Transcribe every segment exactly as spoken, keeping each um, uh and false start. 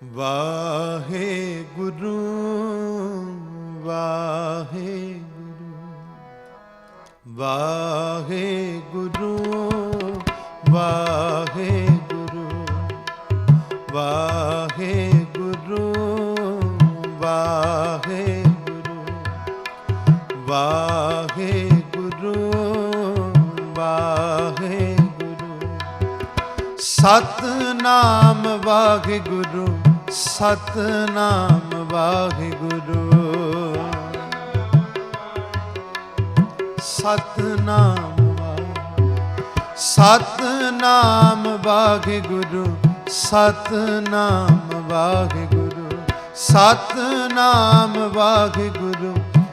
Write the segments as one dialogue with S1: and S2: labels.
S1: ਵਾਹਿਗੁਰੂ ਵਾਹਿਗੁਰੂ ਵਾਹਿਗੁਰੂ ਵਾਹਿਗੁਰੂ ਵਾਹਿਗੁਰੂ ਵਾਹਿਗੁਰੂ ਵਾਹਿਗੁਰੂ ਵਾਹਿਗੁਰੂ ਸਤਨਾਮ ਵਾਹਿਗੁਰੂ ਸਤਨਾਮ ਵਾਹਿਗੁਰੂ ਸਤਨਾਮ ਸਤਨਾਮ ਵਾਹਿਗੁਰੂ ਸਤਨਾਮ ਵਾਹਿਗੁਰੂ ਸਤਨਾਮ ਵਾਹਿਗੁਰੂ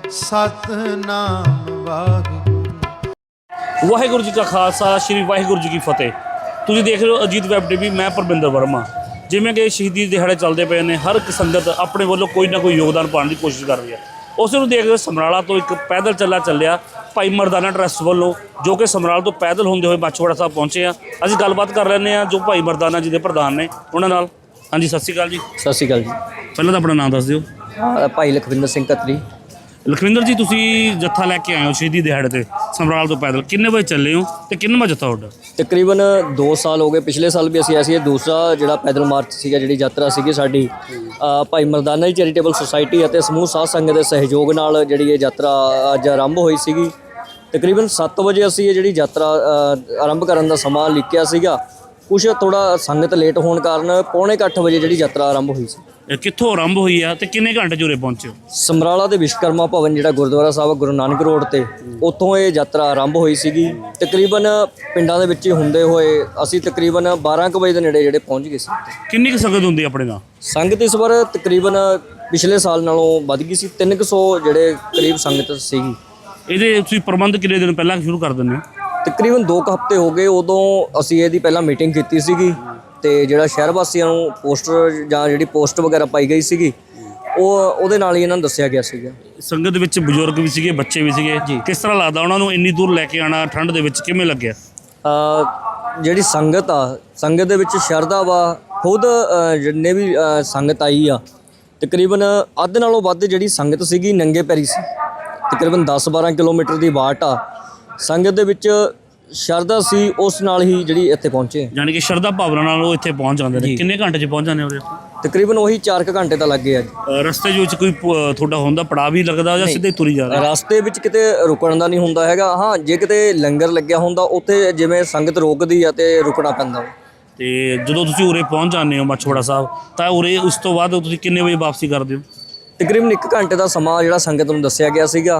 S1: ਸਤਨਾਮ ਵਾਹਿਗੁਰੂ।
S2: ਵਾਹਿਗੁਰੂ ਜੀ ਕਾ ਖਾਲਸਾ ਸ਼੍ਰੀ ਵਾਹਿਗੁਰੂ ਜੀ ਕੀ ਫਤਿਹ। ਤੁਸੀਂ ਦੇਖ ਰਹੇ ਹੋ ਅਜੀਤ ਵੈਬ ਟੀ ਵੀ। ਮੈਂ ਪਰਮਿੰਦਰ ਵਰਮਾ। ਜਿਵੇਂ ਕਿ ਸ਼ਹੀਦੀ ਦਿਹਾੜੇ ਚੱਲਦੇ ਪਏ ਨੇ, ਹਰ ਇੱਕ ਸੰਗਤ ਆਪਣੇ ਵੱਲੋਂ ਕੋਈ ਨਾ ਕੋਈ ਯੋਗਦਾਨ ਪਾਉਣ ਦੀ ਕੋਸ਼ਿਸ਼ ਕਰ ਰਹੀ ਹੈ। ਉਸ ਨੂੰ ਦੇਖਦੇ ਸਮਰਾਲਾ ਤੋਂ ਇੱਕ ਪੈਦਲ ਚੱਲਾ ਚੱਲਿਆ ਭਾਈ ਮਰਦਾਨਾ ਟਰੱਸਟ ਵੱਲੋਂ, ਜੋ ਕਿ ਸਮਰਾਲਾ ਤੋਂ ਪੈਦਲ ਹੁੰਦੇ ਹੋਏ ਮਾਛੀਵਾੜਾ ਸਾਹਿਬ ਪਹੁੰਚੇ ਆ। ਅਸੀਂ ਗੱਲਬਾਤ ਕਰ ਲੈਂਦੇ ਹਾਂ ਜੋ ਭਾਈ ਮਰਦਾਨਾ ਜੀ ਦੇ ਪ੍ਰਧਾਨ ਨੇ ਉਹਨਾਂ ਨਾਲ। ਹਾਂਜੀ, ਸਤਿ ਸ਼੍ਰੀ ਅਕਾਲ ਜੀ।
S3: ਸਤਿ ਸ਼੍ਰੀ ਅਕਾਲ ਜੀ।
S2: ਪਹਿਲਾਂ ਤਾਂ ਆਪਣਾ ਨਾਮ ਦੱਸ ਦਿਓ।
S3: ਭਾਈ ਲਖਵਿੰਦਰ ਸਿੰਘ ਕਤਰੀ।
S2: ਲਖਵਿੰਦਰ ਜੀ, ਤੁਸੀਂ ਜੱਥਾ ਲੈ ਕੇ ਆਏ ਹੋ ਸ਼ਹੀਦੀ ਦਿਹਾੜੇ ਤੇ ਸਮਰਾਲਾ ਤੋਂ ਪੈਦਲ, ਕਿੰਨੇ ਵਜੇ ਚੱਲੇ ਹੋ ਤੇ ਕਿੰਨਵਾਂ ਜੱਥਾ ਤੁਹਾਡਾ?
S3: ਤਕਰੀਬਨ ਦੋ ਸਾਲ ਹੋ ਗਏ। ਪਿਛਲੇ ਸਾਲ ਵੀ ਅਸੀਂ ਐਸੀ ਦੂਸਰਾ ਜਿਹੜਾ ਪੈਦਲ ਮਾਰਚ ਸੀਗਾ, ਜਿਹੜੀ ਯਾਤਰਾ ਸੀਗੀ ਸਾਡੀ ਭਾਈ ਮਰਦਾਨਾ ਜੀ ਚੈਰੀਟੇਬਲ ਸੁਸਾਇਟੀ ਅਤੇ ਸਮੂਹ ਸਾਧ ਸੰਗਤ ਦੇ ਸਹਿਯੋਗ ਨਾਲ ਜਿਹੜੀ ਇਹ ਯਾਤਰਾ ਅੱਜ ਆਰੰਭ ਹੋਈ ਸੀਗੀ। ਤਕਰੀਬਨ ਸੱਤ ਵਜੇ ਅਸੀਂ ਇਹ ਜਿਹੜੀ ਯਾਤਰਾ ਆਰੰਭ ਕਰਨ ਦਾ ਸਮਾਂ ਲਿਖਿਆ ਸੀਗਾ। ਕੁਛ ਥੋੜ੍ਹਾ ਸੰਗਤ ਲੇਟ ਹੋਣ ਕਾਰਨ ਪੌਣੇ ਕੁ ਅੱਠ ਵਜੇ ਜਿਹੜੀ ਯਾਤਰਾ ਆਰੰਭ ਹੋਈ ਸੀ।
S2: ਇਹ ਕਿੱਥੋਂ ਆਰੰਭ ਹੋਈ ਆ ਤੇ ਕਿੰਨੇ ਘੰਟੇ 'ਚ ਉਰੇ ਪਹੁੰਚੇ ਹੋ?
S3: ਸਮਰਾਲਾ ਦੇ ਵਿਸ਼ਵਕਰਮਾ ਭਵਨ ਜਿਹੜਾ ਗੁਰਦੁਆਰਾ ਸਾਹਿਬ ਗੁਰੂ ਨਾਨਕ ਰੋਡ 'ਤੇ, ਉੱਥੋਂ ਇਹ ਯਾਤਰਾ ਆਰੰਭ ਹੋਈ ਸੀਗੀ। ਤਕਰੀਬਨ ਪਿੰਡਾਂ ਦੇ ਵਿੱਚ ਹੀ ਹੁੰਦੇ ਹੋਏ ਅਸੀਂ ਤਕਰੀਬਨ ਬਾਰਾਂ ਕੁ ਵਜੇ ਦੇ ਨੇੜੇ ਜਿਹੜੇ ਪਹੁੰਚ ਗਏ ਸੀ।
S2: ਕਿੰਨੀ ਕੁ ਸੰਗਤ ਹੁੰਦੀ ਆਪਣੇ ਨਾਲ?
S3: ਸੰਗਤ ਇਸ ਵਾਰ ਤਕਰੀਬਨ ਪਿਛਲੇ ਸਾਲ ਨਾਲੋਂ ਵੱਧ ਗਈ ਸੀ। ਤਿੰਨ ਕੁ ਸੌ ਜਿਹੜੇ ਕਰੀਬ ਸੰਗਤ ਸੀਗੀ।
S2: ਇਹਦੇ ਤੁਸੀਂ ਪ੍ਰਬੰਧ ਕਿੰਨੇ ਦਿਨ ਪਹਿਲਾਂ ਸ਼ੁਰੂ ਕਰ ਦਿੰਦੇ ਹੋ?
S3: ਤਕਰੀਬਨ ਦੋ ਕੁ ਹਫ਼ਤੇ ਹੋ ਗਏ। ਉਦੋਂ ਅਸੀਂ ਇਹਦੀ ਪਹਿਲਾਂ ਮੀਟਿੰਗ ਕੀਤੀ ਸੀਗੀ ਤੇ ਜਿਹੜਾ ਸ਼ਹਿਰ ਵਾਸੀਆਂ ਨੂੰ ਪੋਸਟਰ ਜਾਂ ਜਿਹੜੀ ਪੋਸਟ ਵਗੈਰਾ ਪਾਈ ਗਈ ਸੀਗੀ, ਉਹ ਉਹਦੇ ਨਾਲ ਹੀ ਇਹਨਾਂ ਨੂੰ ਦੱਸਿਆ ਗਿਆ ਸੀਗਾ।
S2: ਸੰਗਤ ਵਿੱਚ ਬਜ਼ੁਰਗ ਵੀ ਸੀਗੇ, ਬੱਚੇ ਵੀ ਸੀਗੇ। ਕਿਸ ਤਰ੍ਹਾਂ ਲੱਗਦਾ ਉਹਨਾਂ ਨੂੰ ਇੰਨੀ ਦੂਰ ਲੈ ਕੇ ਆਉਣਾ ਠੰਡ ਦੇ ਵਿੱਚ, ਕਿਵੇਂ ਲੱਗਿਆ?
S3: ਜਿਹੜੀ ਸੰਗਤ ਆ, ਸੰਗਤ ਦੇ ਵਿੱਚ ਸ਼ਰਧਾ ਵਾ। ਖੁਦ ਜਿੰਨੇ ਵੀ ਸੰਗਤ ਆਈ ਆ, ਤਕਰੀਬਨ ਅੱਧ ਨਾਲੋਂ ਵੱਧ ਜਿਹੜੀ ਸੰਗਤ ਸੀਗੀ ਨੰਗੇ ਪੈਰੀ ਸੀ। ਤਕਰੀਬਨ ਦਸ ਬਾਰਾਂ ਕਿਲੋਮੀਟਰ ਦੀ ਵਾਟ ਆ। ਸੰਗਤ ਦੇ ਵਿੱਚ ਸ਼ਰਧਾ ਸੀ, ਉਸ ਨਾਲ ਹੀ ਜਿਹੜੀ ਇੱਥੇ ਪਹੁੰਚੇ।
S2: ਯਾਨੀ ਕਿ ਸ਼ਰਧਾ ਭਾਵਨਾ ਨਾਲ ਉਹ ਇੱਥੇ ਪਹੁੰਚ ਜਾਂਦੇ ਨੇ। ਕਿੰਨੇ ਘੰਟੇ 'ਚ ਪਹੁੰਚ ਜਾਂਦੇ ਹੋ?
S3: ਤਕਰੀਬਨ ਉਹੀ ਚਾਰ ਕੁ ਘੰਟੇ ਤਾਂ ਲੱਗੇ ਆ ਜੀ।
S2: ਰਸਤੇ ਦੇ ਵਿੱਚ ਕੋਈ ਤੁਹਾਡਾ ਹੁੰਦਾ ਪੜਾਅ ਵੀ ਲੱਗਦਾ ਜਾਂ ਸਿੱਧੇ ਤੁਰੀ ਜਾ ਰਹੇ?
S3: ਰਸਤੇ ਵਿੱਚ ਕਿਤੇ ਰੁਕਣ ਦਾ ਨਹੀਂ ਹੁੰਦਾ ਹੈਗਾ। ਹਾਂ, ਜੇ ਕਿਤੇ ਲੰਗਰ ਲੱਗਿਆ ਹੁੰਦਾ ਉੱਥੇ ਜਿਵੇਂ ਸੰਗਤ ਰੋਕਦੀ ਆ ਤੇ ਰੁਕਣਾ ਪੈਂਦਾ।
S2: ਤੇ ਜਦੋਂ ਤੁਸੀਂ ਉਰੇ ਪਹੁੰਚ ਜਾਂਦੇ ਹੋ ਮਾਛੀਵਾੜਾ ਸਾਹਿਬ, ਤਾਂ ਉਰੇ ਉਸ ਤੋਂ ਬਾਅਦ ਤੁਸੀਂ ਕਿੰਨੇ ਵਜੇ ਵਾਪਸੀ ਕਰਦੇ ਹੋ?
S3: ਤਕਰੀਬਨ ਇੱਕ ਘੰਟੇ ਦਾ ਸਮਾਂ ਜਿਹੜਾ ਸੰਗਤ ਨੂੰ ਦੱਸਿਆ ਗਿਆ ਸੀਗਾ।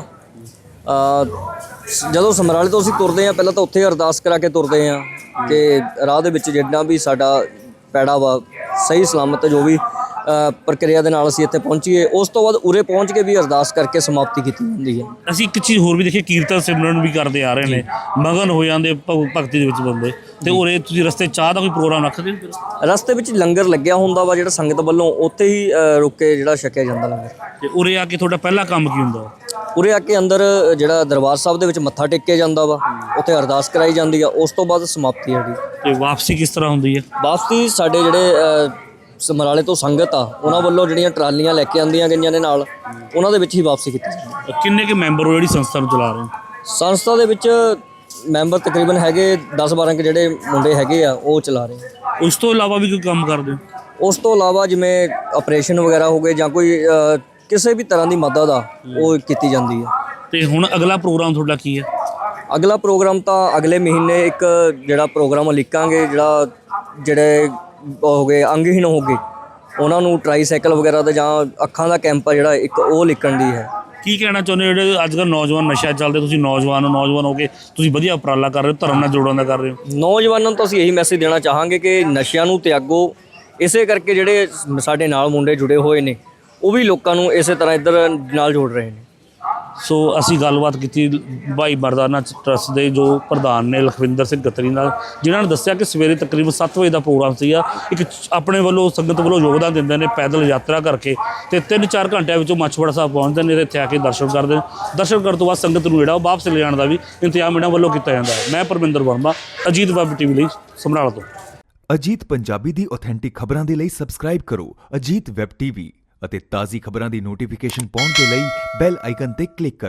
S3: ਜਦੋਂ ਸਮਰਾਲੇ ਤੋਂ ਅਸੀਂ ਤੁਰਦੇ ਹਾਂ, ਪਹਿਲਾਂ ਤਾਂ ਉੱਥੇ ਅਰਦਾਸ ਕਰਾ ਕੇ ਤੁਰਦੇ ਹਾਂ ਕਿ ਰਾਹ ਦੇ ਵਿੱਚ ਜਿੰਨਾ ਵੀ ਸਾਡਾ ਪੈੜਾ ਵਾ ਸਹੀ ਸਲਾਮਤ ਜੋ ਵੀ ਪ੍ਰਕਿਰਿਆ ਦੇ ਨਾਲ ਅਸੀਂ ਇੱਥੇ ਪਹੁੰਚੀਏ। ਉਸ ਤੋਂ ਬਾਅਦ ਉਰੇ ਪਹੁੰਚ ਕੇ ਵੀ ਅਰਦਾਸ ਕਰਕੇ ਸਮਾਪਤੀ ਕੀਤੀ ਜਾਂਦੀ ਹੈ।
S2: ਅਸੀਂ ਇੱਕ ਚੀਜ਼ ਹੋਰ ਵੀ ਦੇਖੀ, ਕੀਰਤਨ ਸਿਮਰਨ ਵੀ ਕਰਦੇ ਆ ਰਹੇ ਨੇ, ਮਗਨ ਹੋ ਜਾਂਦੇ ਭਗਤੀ ਦੇ ਵਿੱਚ ਬੰਦੇ। ਤੇ ਉਰੇ ਤੁਸੀਂ ਰਸਤੇ ਚਾਹ ਦਾ ਕੋਈ ਪ੍ਰੋਗਰਾਮ ਰੱਖਦੇ ਹੋ?
S3: ਰਸਤੇ ਵਿੱਚ ਲੰਗਰ ਲੱਗਿਆ ਹੁੰਦਾ ਵਾ ਜਿਹੜਾ ਸੰਗਤ ਵੱਲੋਂ, ਉੱਥੇ ਹੀ ਰੁਕ ਕੇ ਜਿਹੜਾ ਛਕਿਆ ਜਾਂਦਾ ਲੰਗਰ।
S2: ਤੇ ਉਰੇ ਆ ਕੇ ਤੁਹਾਡਾ ਪਹਿਲਾ ਕੰਮ ਕੀ ਹੁੰਦਾ?
S3: ਉਰੇ ਆ ਕੇ ਅੰਦਰ ਜਿਹੜਾ ਦਰਬਾਰ ਸਾਹਿਬ ਦੇ ਵਿੱਚ ਮੱਥਾ ਟੇਕਿਆ ਜਾਂਦਾ ਵਾ, ਉੱਥੇ ਅਰਦਾਸ ਕਰਾਈ ਜਾਂਦੀ ਆ। ਉਸ ਤੋਂ ਬਾਅਦ ਸਮਾਪਤੀ ਜਿਹੜੀ।
S2: ਤੇ ਵਾਪਸੀ ਕਿਸ ਤਰ੍ਹਾਂ ਹੁੰਦੀ ਹੈ?
S3: ਵਾਪਸੀ ਸਾਡੇ ਜਿਹੜੇ ਸਮਰਾਲੇ ਤੋਂ ਸੰਗਤ ਆ, ਉਹਨਾਂ ਵੱਲੋਂ ਜਿਹੜੀਆਂ ਟਰਾਲੀਆਂ ਲੈ ਕੇ ਆਉਂਦੀਆਂ ਗਈਆਂ ਨੇ ਨਾਲ, ਉਹਨਾਂ ਦੇ ਵਿੱਚ ਹੀ ਵਾਪਸੀ ਕੀਤੀ ਜਾਂਦੀ ਹੈ।
S2: ਕਿੰਨੇ ਕੁ ਮੈਂਬਰ ਹੋ ਜਿਹੜੀ ਸੰਸਥਾ ਨੂੰ ਚਲਾ ਰਹੇ ਹੋ?
S3: ਸੰਸਥਾ ਦੇ ਵਿੱਚ ਮੈਂਬਰ ਤਕਰੀਬਨ ਹੈਗੇ ਦਸ ਬਾਰਾਂ ਕੁ ਜਿਹੜੇ ਮੁੰਡੇ ਹੈਗੇ ਆ, ਉਹ ਚਲਾ ਰਹੇ।
S2: ਉਸ ਤੋਂ ਇਲਾਵਾ ਵੀ ਕੋਈ ਕੰਮ ਕਰਦੇ ਹੋ?
S3: ਉਸ ਤੋਂ ਇਲਾਵਾ ਜਿਵੇਂ ਆਪਰੇਸ਼ਨ ਵਗੈਰਾ ਹੋ ਗਏ ਜਾਂ ਕੋਈ ਕਿਸੇ ਵੀ ਤਰ੍ਹਾਂ ਦੀ ਮਦਦ ਆ, ਉਹ ਕੀਤੀ ਜਾਂਦੀ ਹੈ।
S2: ਤੇ ਹੁਣ ਅਗਲਾ ਪ੍ਰੋਗਰਾਮ ਤੁਹਾਡਾ ਕੀ ਹੈ?
S3: ਅਗਲਾ ਪ੍ਰੋਗਰਾਮ ਤਾਂ ਅਗਲੇ ਮਹੀਨੇ ਇੱਕ ਜਿਹੜਾ ਪ੍ਰੋਗਰਾਮ ਲਿਖਾਂਗੇ, ਜਿਹੜਾ ਜਿਹੜੇ ਹੋ ਗਏ ਅੰਗਹੀਣ ਹੋ ਗਏ, ਉਹਨਾਂ ਨੂੰ ਟਰਾਈਸਾਈਕਲ ਵਗੈਰਾ ਦਾ ਜਾਂ ਅੱਖਾਂ ਦਾ ਕੈਂਪ ਆ ਜਿਹੜਾ ਇੱਕ, ਉਹ ਲਿਖਣ ਦੀ ਹੈ। ਕੀ
S2: ਕਹਿਣਾ ਚਾਹੁੰਦੇ ਹੋ ਜਿਹੜੇ ਅੱਜ ਕੱਲ੍ਹ ਨੌਜਵਾਨ ਨਸ਼ਾ ਚੱਲਦੇ, ਤੁਸੀਂ ਨੌਜਵਾਨ ਨੌਜਵਾਨ ਹੋ ਕੇ ਤੁਸੀਂ ਵਧੀਆ ਉਪਰਾਲਾ ਕਰ ਰਹੇ ਹੋ, ਧਰਮ ਨਾਲ ਜੋੜਨ ਦਾ ਕਰ ਰਹੇ ਹੋ?
S3: ਨੌਜਵਾਨਾਂ ਨੂੰ ਤਾਂ ਅਸੀਂ ਇਹੀ ਮੈਸੇਜ ਦੇਣਾ ਚਾਹਾਂਗੇ ਕਿ ਨਸ਼ਿਆਂ ਨੂੰ ਤਿਆਗੋ। ਇਸੇ ਕਰਕੇ ਜਿਹੜੇ ਸਾਡੇ ਨਾਲ ਮੁੰਡੇ ਜੁੜੇ ਹੋਏ ਨੇ, ਉਹ ਵੀ ਲੋਕਾਂ ਨੂੰ ਇਸੇ ਤਰ੍ਹਾਂ ਇੱਧਰ ਨਾਲ ਜੋੜ ਰਹੇ ਨੇ।
S2: ਸੋ ਅਸੀਂ ਗੱਲਬਾਤ ਕੀਤੀ ਭਾਈ ਮਰਦਾਨਾ ਟਰੱਸਟ ਦੇ ਜੋ ਪ੍ਰਧਾਨ ਨੇ ਲਖਵਿੰਦਰ ਸਿੰਘ ਕਤਰੀ ਨਾਲ, ਜਿਨ੍ਹਾਂ ਨੇ ਦੱਸਿਆ ਕਿ ਸਵੇਰੇ ਤਕਰੀਬਨ ਸੱਤ ਵਜੇ ਦਾ ਪ੍ਰੋਗਰਾਮ ਸੀਗਾ। ਇੱਕ ਆਪਣੇ ਵੱਲੋਂ ਸੰਗਤ ਵੱਲੋਂ ਯੋਗਦਾਨ ਦਿੰਦੇ ਨੇ ਪੈਦਲ ਯਾਤਰਾ ਕਰਕੇ, ਅਤੇ ਤਿੰਨ ਚਾਰ ਘੰਟਿਆਂ ਵਿੱਚੋਂ ਮਾਛੀਵਾੜਾ ਸਾਹਿਬ ਪਹੁੰਚਦੇ ਨੇ ਅਤੇ ਇੱਥੇ ਆ ਕੇ ਦਰਸ਼ਨ ਕਰਦੇ ਨੇ। ਦਰਸ਼ਨ ਕਰਨ ਤੋਂ ਬਾਅਦ ਸੰਗਤ ਨੂੰ ਜਿਹੜਾ ਉਹ ਵਾਪਸ ਲਿਜਾਣ ਦਾ ਵੀ ਇੰਤਜ਼ਾਮ ਇਹਨਾਂ ਵੱਲੋਂ ਕੀਤਾ ਜਾਂਦਾ ਹੈ। ਮੈਂ Parminder Verma, Ajit web T V ਲਈ ਸਮਰਾਲਾ ਤੋਂ।
S4: ਅਜੀਤ ਪੰਜਾਬੀ ਦੀ ਆਥੈਂਟਿਕ ਖਬਰਾਂ ਦੇ ਲਈ ਸਬਸਕ੍ਰਾਈਬ ਕਰੋ ਅਜੀਤ ਵੈਬ ਟੀਵੀ ਅਤੇ ਤਾਜ਼ੀ ਖਬਰਾਂ ਦੀ ਨੋਟੀਫਿਕੇਸ਼ਨ ਪਾਉਣ ਦੇ ਲਈ ਬੈਲ ਆਈਕਨ ਤੇ ਕਲਿੱਕ ਕਰੋ।